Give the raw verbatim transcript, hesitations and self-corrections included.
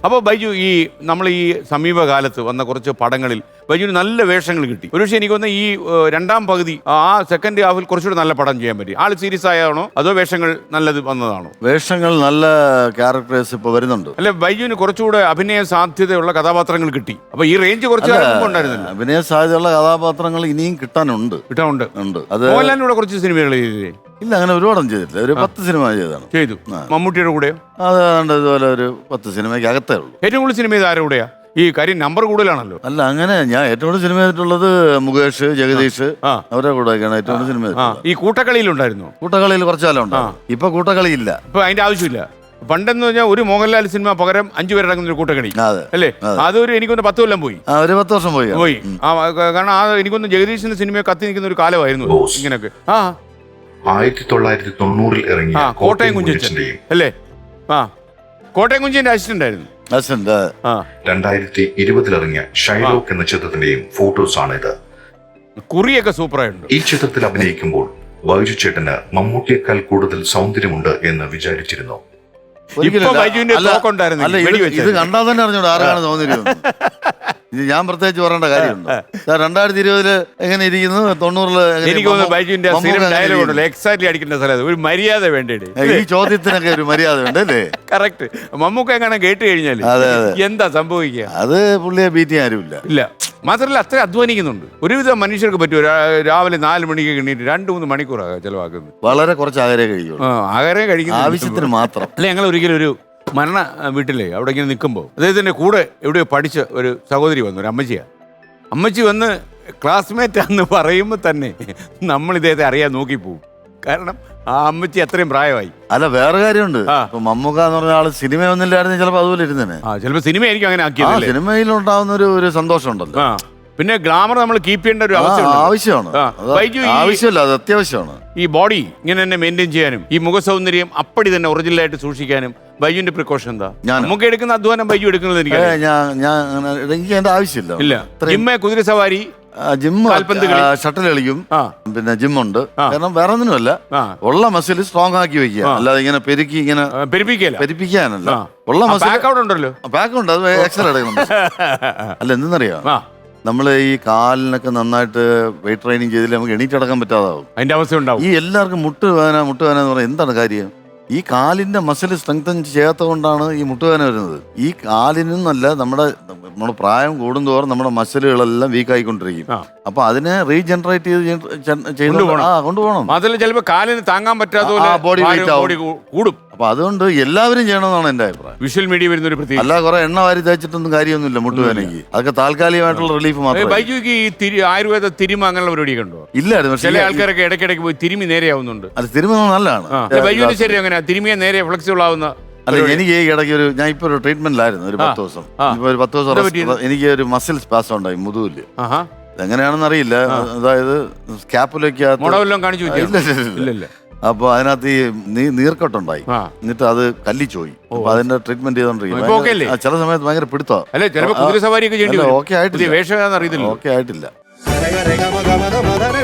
അപ്പോൾ ബൈജു, ഈ നമ്മൾ ഈ സമീപകാലത്ത് വന്ന കുറച്ച് പടങ്ങളിൽ ബൈജുവിന് നല്ല വേഷങ്ങൾ കിട്ടി. ഒരുപക്ഷെ എനിക്ക് തോന്നുന്നു ഈ രണ്ടാം പകുതി ആ സെക്കൻഡ് ഹാഫിൽ കുറച്ചുകൂടി നല്ല പടം ചെയ്യാൻ പറ്റി. ആൾ സീരിയസ് ആയാണോ അതോ വേഷങ്ങൾ നല്ലത് വന്നതാണോ? വേഷങ്ങൾ നല്ല ക്യാരക്ടേഴ്സ് ഇപ്പോൾ വരുന്നുണ്ട്. അല്ലെ, ബൈജുവിന് കുറച്ചുകൂടെ അഭിനയ സാധ്യതയുള്ള കഥാപാത്രങ്ങൾ കിട്ടി. അപ്പൊ ഈ റേഞ്ച് കുറച്ച് ഉണ്ടായിരുന്നില്ല. അഭിനയ സാധ്യതയുള്ള കഥാപാത്രങ്ങൾ ഇനിയും കിട്ടാനുണ്ട് കിട്ടാനുണ്ട് ഉണ്ട്. അത് മോഹൻലാലിനൂടെ കുറച്ച് സിനിമകൾ ചെയ്തില്ലേ? ഇല്ല, അങ്ങനെ ഒരുപാടും ചെയ്തിട്ടില്ല. ഒരു പത്ത് സിനിമ ചെയ്താണ് ചെയ്തു. മമ്മൂട്ടിയുടെ കൂടെയോ? അതാണ്ട് ഇതുപോലെ ഒരു പത്ത് സിനിമയ്ക്ക് അകത്തേ ഉള്ളൂ. ഏറ്റവും കൂടുതൽ സിനിമ ചെയ്ത് ആരുടെ കൂടെയാ? ഈ കാര്യം നമ്പർ കൂടുതലാണല്ലോ. അല്ല, അങ്ങനെ ഞാൻ ഏറ്റവും കൂടുതൽ സിനിമ ചെയ്തിട്ടുള്ളത് മുകേഷ്, ജഗദീഷ്, അവരുടെ കൂടെയൊക്കെയാണ് ഏറ്റവും കൂടുതൽ സിനിമ. ഈ കൂട്ടക്കളിയിലുണ്ടായിരുന്നു? കൂട്ടക്കളിയിൽ കുറച്ചാലും ഉണ്ട്. ഇപ്പൊ കൂട്ടക്കളി ഇല്ല. ഇപ്പൊ അതിന്റെ ആവശ്യമില്ല. പണ്ടെന്ന് പറഞ്ഞാൽ ഒരു മോഹൻലാൽ സിനിമ പകരം അഞ്ചു പേരടങ്ങുന്ന ഒരു കൂട്ടക്കളി അല്ലേ? അതൊരു എനിക്കൊന്ന് പത്ത് കൊല്ലം പോയി. ഒരു പത്ത് വർഷം പോയി പോയി കാരണം ആ എനിക്കൊന്ന് ജഗദീഷിന്റെ സിനിമ കത്തി നിൽക്കുന്ന ഒരു കാലമായിരുന്നു ഇങ്ങനെയൊക്കെ. ആ ആയിരത്തി തൊള്ളായിരത്തി തൊണ്ണൂറിൽ ഇറങ്ങിയ കോട്ടയം കുഞ്ചൻ അല്ലേ? ആ, കോട്ടയം കുഞ്ചിന്റെ അസിസ്റ്റന്റ് ആയിരുന്നു. രണ്ടായിരത്തി ഇരുപതിലിറങ്ങിയ ഷൈലോക്ക് എന്ന ചിത്രത്തിന്റെയും ഫോട്ടോസ് ആണ് ഇത്. കുറിയൊക്കെ സൂപ്പറായിട്ടുണ്ട്. ഈ ചിത്രത്തിൽ അഭിനയിക്കുമ്പോൾ ബൈജു ചേട്ടന് മമ്മൂട്ടിയേക്കാൾ കൂടുതൽ സൗന്ദര്യമുണ്ട് എന്ന് വിചാരിച്ചിരുന്നു. ഇത് കണ്ടാൽ തന്നെ അറിഞ്ഞോളൂ ആരാണ് സൗന്ദര്യം. ഇത് ഞാൻ പ്രത്യേകിച്ച് പറയേണ്ട കാര്യമുണ്ട്. രണ്ടായിരത്തി ഇരുപതില് എങ്ങനെ ഇരിക്കുന്നു, തൊണ്ണൂറില് എക്സാക്ട്ലി അടിക്കേണ്ട സ്ഥലത്ത് ഒരു മര്യാദ വേണ്ടേ? ഈ ചോദ്യത്തിനൊക്കെ ഒരു മര്യാദ ഉണ്ട് അല്ലേ? കറക്റ്റ്. മമ്മൂക്ക എങ്ങനെ കേട്ട് കഴിഞ്ഞാല് എന്താ സംഭവിക്കുക? അത് പുള്ളിയെ ബീറ്റ് ചെയ്യാൻ ആരുമില്ല. ഇല്ല, മാത്രമല്ല അത്ര അധ്വാനിക്കുന്നുണ്ട്. ഒരുവിധം മനുഷ്യർക്ക് പറ്റും രാവിലെ നാല് മണിക്ക് എണ്ണീറ്റ് രണ്ട് മൂന്ന് മണിക്കൂറാണ് ചെലവാക്കുന്നത്. വളരെ കുറച്ച് ആഹാരം കഴിക്കും. ആഹാരം കഴിക്കുന്ന ആവശ്യത്തിന് മാത്രം. അല്ലെ, ഞങ്ങൾ ഒരിക്കലും ഒരു മരണ വീട്ടിലേ അവിടെ ഇങ്ങനെ നിൽക്കുമ്പോൾ അദ്ദേഹത്തിൻ്റെ കൂടെ എവിടെയോ പഠിച്ച ഒരു സഹോദരി വന്നു, ഒരു അമ്മച്ചിയാണ്. അമ്മച്ചി വന്ന് ക്ലാസ്മേറ്റാന്ന് പറയുമ്പോൾ തന്നെ നമ്മൾ ഇദ്ദേഹത്തെ അറിയാൻ നോക്കിപ്പോവും. കാരണം ആ അമ്മച്ചി അത്രയും പ്രായമായി. അല്ല, വേറെ കാര്യമുണ്ട്. മമ്മൂക്ക എന്ന് പറഞ്ഞ ആള് സിനിമ ഒന്നില്ലായിരുന്നു ചിലപ്പോൾ അതുപോലെ ഇരുന്നേ. ആ, ചിലപ്പോൾ സിനിമ ആയിരിക്കും അങ്ങനെ ആക്കിയത്. സിനിമയിലുണ്ടാവുന്ന ഒരു ഒരു സന്തോഷം ഉണ്ടല്ലോ. പിന്നെ ഗ്ലാമർ നമ്മൾ കീപ്പ് ചെയ്യേണ്ട ഒരു ആവശ്യമാണ്. ആവശ്യമല്ല, അത് അത്യാവശ്യമാണ്. ഈ ബോഡി ഇങ്ങനെ തന്നെ മെയിൻറ്റെയിൻ ചെയ്യാനും ഈ മുഖസൗന്ദര്യം അപ്പടി തന്നെ ഒറിജിനലായിട്ട് സൂക്ഷിക്കാനും ബൈജുവിന്റെ പ്രിക്കോഷൻ എന്താ? നമുക്ക് എടുക്കുന്ന അധ്വാനം ബൈജു എടുക്കുന്നത് എനിക്ക് എനിക്ക് അതിന്റെ ആവശ്യമില്ല. ഇല്ല, ജിമ്മ്, കുതിര സവാരി, ജിമ്മ്, ഷട്ടിൽ കളിക്കും, പിന്നെ ജിമ്മുണ്ട്. കാരണം വേറെ ഒന്നിനുമല്ല, ഉള്ള മസിൽ സ്ട്രോങ് ആക്കി വെക്കുക, അല്ലാതെ ഇങ്ങനെ പെരുക്കി ഇങ്ങനെ പെരുപ്പിക്കാനല്ല. ഉള്ള മസിൽ ഉണ്ടല്ലോ, പാക്ക് ഉണ്ട്, അത് എക്സ്ട്രാ എടുക്കണം. അല്ല, എന്തെന്നറിയാം, നമ്മള് ഈ കാലിനൊക്കെ നന്നായിട്ട് വെയിറ്റ് ട്രെയിനിങ് ചെയ്തില്ല നമുക്ക് എണീറ്റടക്കാൻ പറ്റാതാവും. അതിന്റെ അവസ്ഥ ഉണ്ടാവും. ഈ എല്ലാവർക്കും മുട്ടുവേദന മുട്ടുവേദന എന്ന് പറഞ്ഞാൽ എന്താണ് കാര്യം? ഈ കാലിന്റെ മസിൽ സ്ട്രെങ്തൻ ചെയ്യാത്ത കൊണ്ടാണ് ഈ മുട്ടുവേദന വരുന്നത്. ഈ കാലിനൊന്നല്ല, നമ്മുടെ നമ്മുടെ പ്രായം കൂടുന്തോറും നമ്മുടെ മസിലുകളെല്ലാം വീക്ക് ആയിക്കൊണ്ടിരിക്കും. അപ്പൊ അതിനെ റീജനറേറ്റ് ചെയ്ത് കൊണ്ടുപോകണം. അതിൽ ചിലപ്പോൾ കാലിന് താങ്ങാൻ പറ്റാത്ത ബോഡി വെയിറ്റ് കൂടും. അപ്പൊ അതുകൊണ്ട് എല്ലാവരും ചെയ്യണമെന്നാണ് എന്റെ അഭിപ്രായം. വിഷ്വൽ മീഡിയ വരുന്ന ഒരു പ്രത്യേക അല്ല, കുറെ എണ്ണ വാരി തേച്ചിട്ടൊന്നും കാര്യമൊന്നുമില്ല മുട്ടുവേദനയ്ക്ക്. അതൊക്കെ താൽക്കാലികമായിട്ടുള്ള റിലീഫ് മാത്രം. ബൈജുക്ക് ഈ ആയുർവേദ തിരിമ അങ്ങനെയുള്ള പരിപാടിയൊക്കെ ഉണ്ടോ? ഇല്ലായിരുന്നു. ചില ആൾക്കാരൊക്കെ ഇടയ്ക്കിടയ്ക്ക് പോയി തിരുമി നേരെയാവുന്നുണ്ട്. അത് തിരുമ നല്ലതാണ്. ബൈജുവിന് ശരി അങ്ങനെ തിരുമിയെ നേരെ ഫ്ലെക്സിബിൾ ആവുന്ന? അല്ല, എനിക്ക് ഈ ഇടയ്ക്ക് ഒരു ഞാൻ ഇപ്പൊ ഒരു ട്രീറ്റ്മെന്റിലായിരുന്നു ഒരു പത്ത് ദിവസം. ഇപ്പൊ ഒരു പത്ത് ദിവസം എനിക്ക് ഒരു മസിൽ സ്പാസം ഉണ്ടായി മുതുകില്. എങ്ങനെയാണെന്ന് അറിയില്ല. അതായത് സ്കാപ്പുലൊക്കെ അപ്പൊ അതിനകത്ത് ഈ നീർക്കെട്ടുണ്ടായി. എന്നിട്ട് അത് കല്ലിച്ചോയി. അപ്പൊ അതിന്റെ ട്രീറ്റ്മെന്റ് ചെയ്തോണ്ടിരിക്കും. ചില സമയത്ത് ഭയങ്കര പിടുത്തോ. ഓക്കെ ആയിട്ടില്ല. ഓക്കെ ആയിട്ടില്ല.